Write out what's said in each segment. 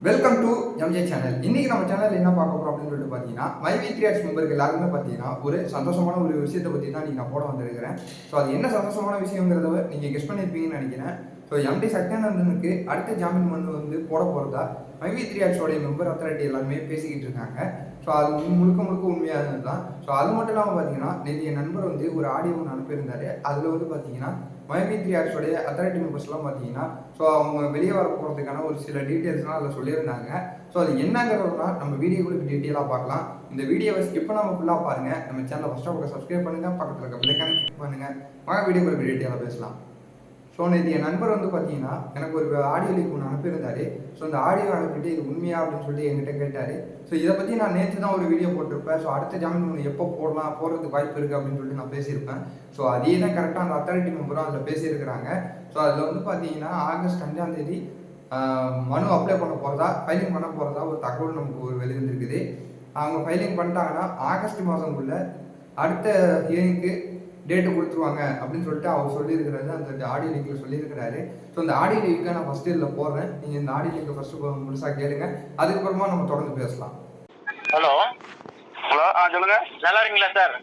Welcome to MJ channel. இன்னைக்கு நம்ம channel என்ன பார்க்க போறோம் அப்படின்னு சொல்லிட்டு பார்த்தீங்கன்னா, மைவி3ஆர்ட்ஸ் மெம்பருக்கு எல்லாருமே பார்த்தீங்கன்னா ஒரு சந்தோஷமான ஒரு விஷயத்தை பற்றி தான் நீங்கள் நான் போட வந்திருக்கிறேன். ஸோ அது என்ன சந்தோஷமான விஷயங்கிறத நீங்கள் கெஸ் பண்ணியிருப்பீங்கன்னு நினைக்கிறேன். ஸோ எம்டி சத்யானந்தனுக்கு அடுத்த ஜாமீன் மனு போட போகிறதா மைவி3ஆர்ட்ஸோடைய மெம்பர் அத்தாரிட்டி எல்லாருமே பேசிக்கிட்டு இருக்காங்க. ஸோ அது முழுக்க உண்மையானது தான். ஸோ அது மட்டும் இல்லாமல் பார்த்தீங்கன்னா, நேற்று என் நண்பர் ஒரு ஆடியோ ஒன்று அனுப்பியிருந்தாரு. அதில் பார்த்தீங்கன்னா மைவி3ஆர்ட்ஸோடைய அத்தாரிட்டி மெம்பர்ஸ்லாம் பார்த்தீங்கன்னா, ஸோ அவங்க வெளியே வர போகிறதுக்கான ஒரு சில டீட்டெயில்ஸ்லாம் அதில் சொல்லியிருந்தாங்க. ஸோ அது என்னங்கிறதுனா நம்ம வீடியோவுக்கு டீட்டெயிலாக பார்க்கலாம். இந்த வீடியோவை ஸ்கிப் பண்ணாமல் ஃபுல்லாக பாருங்கள். நம்ம சேனலை ஃபஸ்ட்டாக பக்கம் சப்ஸ்கிரைப் பண்ணுங்கள், பக்கத்தில் இருக்க பெல்லைக்கான கிளிக் பண்ணுங்கள். வாங்க வீடியோக்குள்ள டீட்டெயிலாக பேசலாம். ஸோ நேற்று என் நண்பர் பார்த்தீங்கன்னா எனக்கு ஒரு ஆடியோ லீக் ஒன்று அனுப்பியிருந்தாரு. ஸோ அந்த ஆடியோ அனுப்பிட்டு இது உண்மையா அப்படின்னு சொல்லிட்டு என்கிட்ட கேட்டார். ஸோ இதை பற்றி நான் நேற்று தான் ஒரு வீடியோ போட்டிருப்பேன். ஸோ அடுத்த ஜாமீன் மனு எப்போ போடுறதுக்கு வாய்ப்பு இருக்குது அப்படின்னு சொல்லிட்டு நான் பேசியிருப்பேன். ஸோ அதே தான் கரெக்டாக அந்த அத்தாரிட்டி மெம்பரும் அதில் பேசியிருக்கிறாங்க. ஸோ அதில் பார்த்தீங்கன்னா ஆகஸ்ட் 5ஆம் தேதி மனு அப்ளை பண்ண போகிறதா, ஃபைலிங் பண்ண போகிறதா ஒரு தகவல் நமக்கு வெளிவந்துருக்குது. அவங்க ஃபைலிங் பண்ணிட்டாங்கன்னா ஆகஸ்ட் மாதங்குள்ள அடுத்த ஹியரிங்க்கு டேட்டு கொடுத்துருவாங்க அப்படின்னு சொல்லிட்டு அவர் சொல்லியிருக்கிறாரு. அந்த ஆடியோ லிங்கில் சொல்லியிருக்கிறாரு. ஸோ அந்த ஆடியோ லிங்கை நான் ஃபஸ்ட்டு இதில் போடுறேன். நீங்கள் இந்த ஆடியோ லிங்கை ஃபஸ்ட்டு முழுசாக கேளுங்க. அதுக்கப்புறமா நம்ம தொடர்ந்து பேசலாம். ஹலோ ஹலோ, சொல்லுங்க. நல்லா இருக்கீங்களா சார்?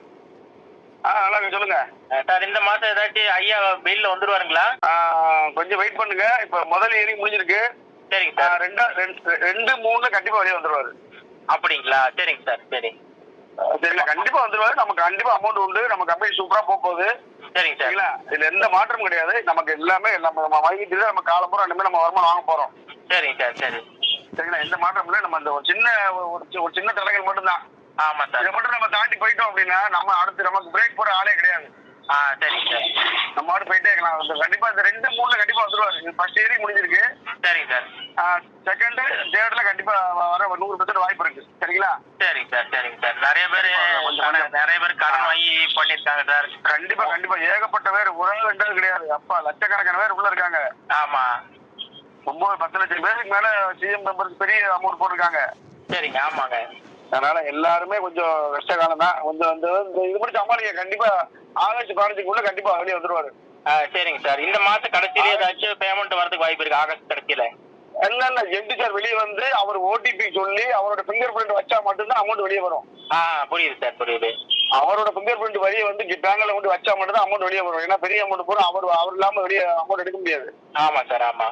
நல்லா இருக்கு, சொல்லுங்க சார். இந்த மாசம் ஏதாச்சும் ஐயா பெயில்ல வந்துருவாருங்களா? கொஞ்சம் வெயிட் பண்ணுங்க. இப்ப முதல் ஹியரிங் முடிஞ்சிருக்கு. சரிங்க சார். 2, 3 கண்டிப்பா வெளியே வந்துருவாரு. அப்படிங்களா? சரிங்க சார். சரி சரிங்களா, கண்டிப்பா வந்துருவாரு. நமக்கு கண்டிப்பா அமௌண்ட் உண்டு. நம்ம கம்பெனி சூப்பரா போகுது. சரிங்க சார். சரிங்களா, இதுல எந்த மாற்றமும் கிடையாது. நமக்கு எல்லாமே நம்ம வாங்கிட்டு நம்ம காலம்புறம் ரெண்டுமே நம்ம வருமானம் வாங்க போறோம். சரிங்க சார். சரி சரிங்களா, எந்த மாற்றம் இல்லை. நம்ம அந்த ஒரு சின்ன தடங்கள் மட்டும்தான். ஆமா சார். இதை மட்டும் நம்ம தாண்டி போயிட்டோம் அப்படின்னா நம்ம அடுத்து நமக்கு பிரேக் போற ஆளே கிடையாது. சரிங்க சார். நம்ம ஆடு போயிட்டே இருக்கலாம். கண்டிப்பா இந்த 2, 3 கண்டிப்பா வந்துருவாரு. ஃபர்ஸ்ட் ஹியரிங் முடிஞ்சிருக்கு. சரிங்க சார். செகண்ட், தேர்ட்ல கண்டிப்பா வர 100% வாய்ப்பு இருக்கு. சரிங்களா? சரிங்க சார். சரிங்க சார். நிறைய பேர் கடன் வாங்கி பண்ணிருக்காங்க சார். கண்டிப்பா ஏகப்பட்ட பேர், ஒரு ரெண்டாவது கிடையாது. அப்பா லட்சக்கணக்கான பேர் உள்ள இருக்காங்க. ஆமா, 10 லட்சம் பேருக்கு மேல சிஎம் மெம்பருக்கு பெரிய அமௌண்ட் போட்டிருக்காங்க. சரிங்க. ஆமாங்க. அதனால எல்லாருமே கொஞ்சம் கஷ்ட காலம் தான். கொஞ்சம் இது மட்டும் சமாளிக்க. கண்டிப்பா ஆகஸ்ட் 15க்குள்ள கண்டிப்பா வெளியே வந்துருவாரு. சரிங்க சார். இந்த மாசம் கடைசியில ஏதாச்சும் பேமெண்ட் வரதுக்கு வாய்ப்பு இருக்கு ஆகஸ்ட் கடைசியில? இல்ல எம்டி சார் வெளியே வந்து அவர் ஓடிபி சொல்லி அவரோட பிங்கர் பிரிண்ட் வச்சா மட்டும்தான் அமௌண்ட் வெளியே வரும். புரியுது சார், புரியுது. அவரோட பிங்கர் பிரிண்ட் வெளியே வந்து பேங்க்ல கொண்டு வச்சா மட்டும்தான் அமௌண்ட் வெளியே வரும். ஏன்னா பெரிய அமௌண்ட் போறோம். அவர் இல்லாம வெளியே அமௌண்ட் எடுக்க முடியாது. ஆமா சார், ஆமா.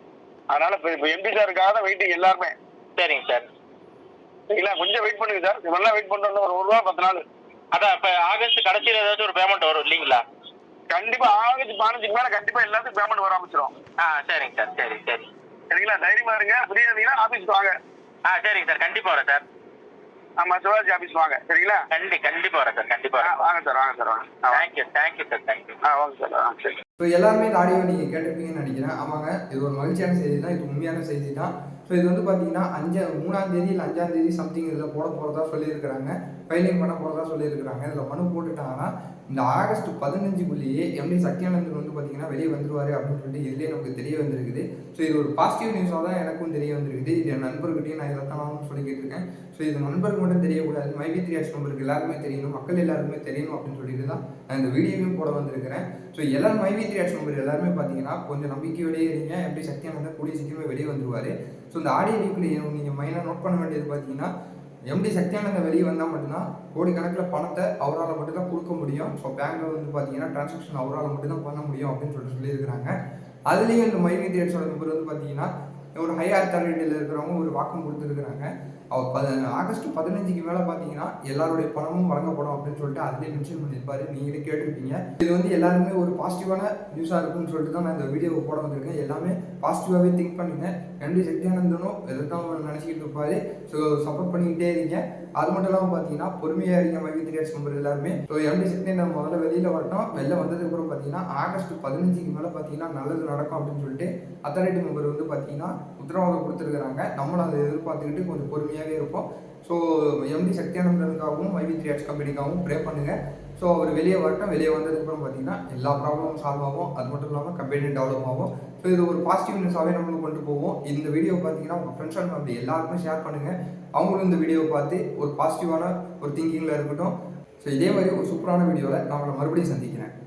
அதனால இப்ப எம்பி சாருக்காக தான் வெயிட்டிங் எல்லாருமே. சரிங்க சார். சரிங்களா, கொஞ்சம் வெயிட் பண்ணுங்க சார். நல்லா வெயிட் பண்றோம். ஒரு 1 வாரம் 10 நாள். அதான் இப்ப ஆகஸ்ட் கடைசியில ஏதாச்சும் ஒரு பேமெண்ட் வரும் இல்லீங்களா? கண்டிப்பா ஆகஸ்ட் 15க்கு மேல கண்டிப்பா எல்லாத்துக்கும் பேமெண்ட் வர ஆரம்பிச்சிடும். சரிங்க சார். சரி சரி. சரிங்களா, தைரியமா இருங்க. ஃப்ரீயா இருந்தீங்கன்னா ஆபீஸ்க்கு வாங்க. சரிங்க சார். கண்டிப்பா வரேன் சார். ஆமா, சிவாஜி ஆபீஸ் வாங்க. சரிங்களா, கண்டிப்பா வரேன் சார். கண்டிப்பா வரேன். வாங்க சார், வாங்க சார், வாங்க. Thank you sir. தேங்க்யூ. வாங்க சார். சரி. ஸோ எல்லாருமே இந்த ஆடியோ நீங்கள் கேட்டிருப்பீங்கன்னு நினைக்கிறேன். ஆமாங்க, இது ஒரு மகிழ்ச்சியான செய்தி தான். இது உண்மையான செய்தி தான். ஸோ இது பார்த்தீங்கன்னா 3ஆம் தேதி இல்லை 5ஆம் தேதி சம்திங் இதில் போட போகிறதா சொல்லியிருக்கிறாங்க. ஃபைலிங் பண்ண போகிறதா சொல்லியிருக்கிறாங்க. இதில் மனு போட்டுட்டாங்கன்னா இந்த ஆகஸ்ட் 15க்குள்ளேயே எம்டி சத்யானந்தன் பார்த்தீங்கன்னா வெளியே வந்துருவார் அப்படின்னு சொல்லிட்டு இதுலேயே நமக்கு தெரிய வந்திருக்குது. ஸோ இது ஒரு பாசிட்டிவ் நியூஸாக தான் எனக்கும் தெரிய வந்திருக்குது. இது என் நண்பர்கிட்டையும் நான் இதைத்தான் சொல்லிக்கிட்டு இருக்கேன். ஸோ இது நண்பருக்கு மட்டும் தெரியக்கூடாது, மைவி3ஆர்ட்ஸ் மெம்பருக்கு எல்லாருமே தெரியணும், மக்கள் எல்லாருமே தெரியணும் அப்படின்னு சொல்லிட்டு தான் நான் இந்த வீடியோவையும் போட வந்திருக்கிறேன். ஸோ எல்லாரும் மைவி3ஆர்ட்ஸ் மெம்பர் எல்லாருமே பார்த்தீங்கன்னா கொஞ்சம் நம்பிக்கையோடய இருங்க. எம்டி சத்யானந்தன் கூடிய சீக்கிரமே வெளியே வந்துருவார். ஸோ இந்த ஆடியோ லீக்ல நீங்கள் மெயினாக நோட் பண்ண வேண்டியது பார்த்தீங்கன்னா, எம்டி சத்யானந்தன் வெளியே வந்தால் மட்டும்தான் கோடிக்கணக்கில் பணத்தை அவரால் மட்டும்தான் கொடுக்க முடியும். ஸோ பேங்க்கில் பார்த்தீங்கன்னா டிரான்சாக்ஷன் அவரால் மட்டும்தான் பண்ண முடியும் அப்படின்னு சொல்லியிருக்கிறாங்க. அதுலேயும் இந்த மைவி3ஆர்ட்ஸோட மெம்பர் பார்த்தீங்கன்னா ஒரு ஹை அத்தாரிட்டியில் இருக்கிறவங்க ஒரு வாக்கம் கொடுத்துருக்குறாங்க. அவர் ஆகஸ்ட் 15க்கு மேலே பார்த்தீங்கன்னா எல்லாருடைய பணமும் வழங்கப்படும் அப்படின்னு சொல்லிட்டு அதிலே மென்ஷன் பண்ணியிருப்பாரு. நீங்களே கேட்டிருப்பீங்க. இது எல்லாருமே ஒரு பாசிட்டிவான நியூஸாக இருக்குன்னு சொல்லிட்டு தான் நான் இந்த வீடியோவை போட வந்திருக்கேன். எல்லாமே பாசிட்டிவாகவே திங்க் பண்ணுங்க. எம்டி சத்யானந்தனும் எதுதான் நினச்சிக்கிட்டு இருப்பாரு. ஸோ சப்போர்ட் பண்ணிக்கிட்டே இருங்க. அது மட்டும் இல்லாமல் பார்த்தீங்கன்னா பொறுமையாக இருங்க மைவி3ஆர்ட்ஸ் மெம்பர் எல்லாருமே. ஸோ எம்டி சத்யானந்தன் முதல்ல வெளியில் வரட்டும். வெளில வந்ததுக்கப்புறம் பார்த்தீங்கன்னா ஆகஸ்ட் 15க்கு மேலே பார்த்தீங்கன்னா நல்லது நடக்கும் அப்படின்னு சொல்லிட்டு அத்தாரிட்டி மெம்பர் பார்த்தீங்கன்னா உத்தரவாதம் கொடுத்துருக்குறாங்க. நம்மளும் அதை எதிர்பார்த்துக்கிட்டு கொஞ்சம் பொறுமையாகவே இருப்போம். ஸோ எம்டி சத்யானந்தனுக்காகவும் மைவி3ஆர்ட்ஸ் கம்பெனிக்காகவும் ப்ரே பண்ணுங்கள். ஸோ அவர் வெளியே வரட்டும். வெளியே வந்ததுக்கப்புறம் பார்த்தீங்கன்னா எல்லா ப்ராப்ளமும் சால்வ் ஆகும். அது மட்டும் இல்லாமல் கம்பெனி டெவலப் ஆகும். ஸோ இது ஒரு பாசிட்டிவ் நியூஸாகவே நம்மளுக்கு கொண்டு போவோம். இந்த வீடியோ பார்த்தீங்கன்னா உங்கள் ஃப்ரெண்ட்ஸ் அண்ட் ஃபேமிலி எல்லாருக்கும் ஷேர் பண்ணுங்கள். அவங்களும் இந்த வீடியோவை பார்த்து ஒரு பாசிட்டிவான ஒரு திங்கிங்கில் இருக்கட்டும். ஸோ இதே மாதிரி ஒரு சூப்பரான வீடியோவில் நான் உங்களை மறுபடியும் சந்திக்கிறேன்.